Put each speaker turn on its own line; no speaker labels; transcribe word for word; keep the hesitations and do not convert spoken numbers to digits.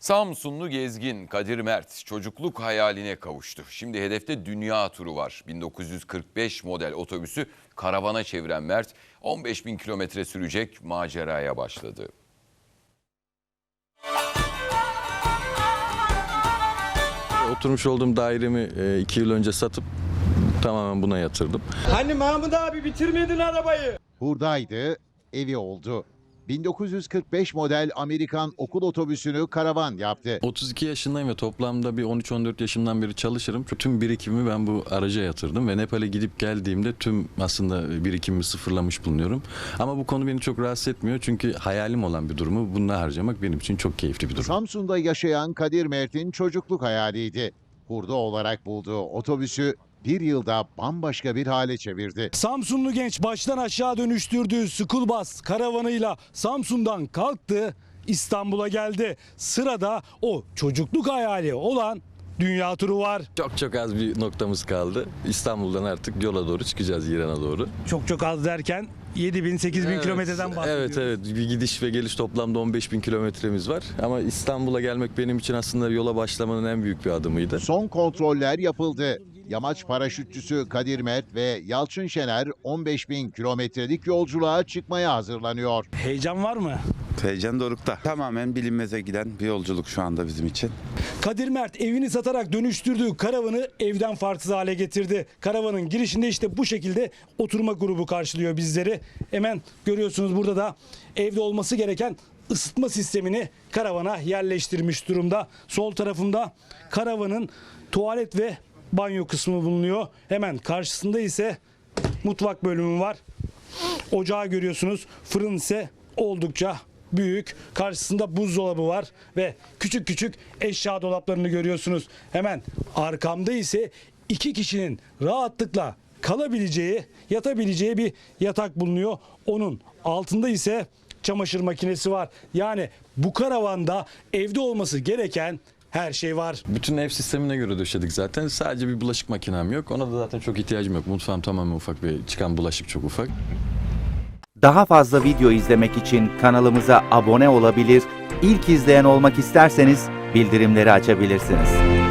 Samsunlu gezgin Kadir Mert çocukluk hayaline kavuştu. Şimdi hedefte dünya turu var. bin dokuz yüz kırk beş model otobüsü karavana çeviren Mert on beş bin kilometre sürecek maceraya başladı.
Oturmuş olduğum dairemi iki yıl önce satıp tamamen buna yatırdım.
Hani Mahmut abi bitirmedin arabayı?
Buradaydı, evi oldu. bin dokuz yüz kırk beş model Amerikan okul otobüsünü karavan yaptı.
otuz iki yaşındayım ve toplamda bir on üç on dört yaşımdan beri çalışırım. Tüm birikimimi ben bu araca yatırdım ve Nepal'e gidip geldiğimde tüm aslında birikimimi sıfırlamış bulunuyorum. Ama bu konu beni çok rahatsız etmiyor çünkü hayalim olan bir durumu bununla harcamak benim için çok keyifli bir durum.
Samsun'da yaşayan Kadir Mert'in çocukluk hayaliydi. Hurda olarak bulduğu otobüsü bir yılda bambaşka bir hale çevirdi.
Samsunlu genç baştan aşağı dönüştürdüğü school bus karavanıyla Samsun'dan kalktı, İstanbul'a geldi. Sırada o çocukluk hayali olan dünya turu var.
Çok çok az bir noktamız kaldı. İstanbul'dan artık yola doğru çıkacağız, İran'a doğru.
Çok çok az derken yedi bin sekiz bin
Evet,
kilometreden bahsediyoruz.
Evet evet bir gidiş ve geliş toplamda on beş bin kilometremiz var. Ama İstanbul'a gelmek benim için aslında yola başlamanın en büyük bir adımıydı.
Son kontroller yapıldı. Yamaç paraşütçüsü Kadir Mert ve Yalçın Şener on beş bin kilometrelik yolculuğa çıkmaya hazırlanıyor.
Heyecan var mı?
Heyecan dorukta. Tamamen bilinmeze giden bir yolculuk şu anda bizim için.
Kadir Mert evini satarak dönüştürdüğü karavanı evden farksız hale getirdi. Karavanın girişinde işte bu şekilde oturma grubu karşılıyor bizleri. Hemen görüyorsunuz burada da evde olması gereken ısıtma sistemini karavana yerleştirmiş durumda. Sol tarafında karavanın tuvalet ve banyo kısmı bulunuyor. Hemen karşısında ise mutfak bölümü var. Ocağı görüyorsunuz. Fırın ise oldukça büyük. Karşısında buzdolabı var ve küçük küçük eşya dolaplarını görüyorsunuz. Hemen arkamda ise iki kişinin rahatlıkla kalabileceği, yatabileceği bir yatak bulunuyor. Onun altında ise çamaşır makinesi var. Yani bu karavanda evde olması gereken her şey var.
Bütün ev sistemine göre döşedik zaten. Sadece bir bulaşık makinem yok. Ona da zaten çok ihtiyacım yok. Mutfağım tamamen ufak ve çıkan bulaşık çok ufak.
Daha fazla video izlemek için kanalımıza abone olabilir, ilk izleyen olmak isterseniz bildirimleri açabilirsiniz.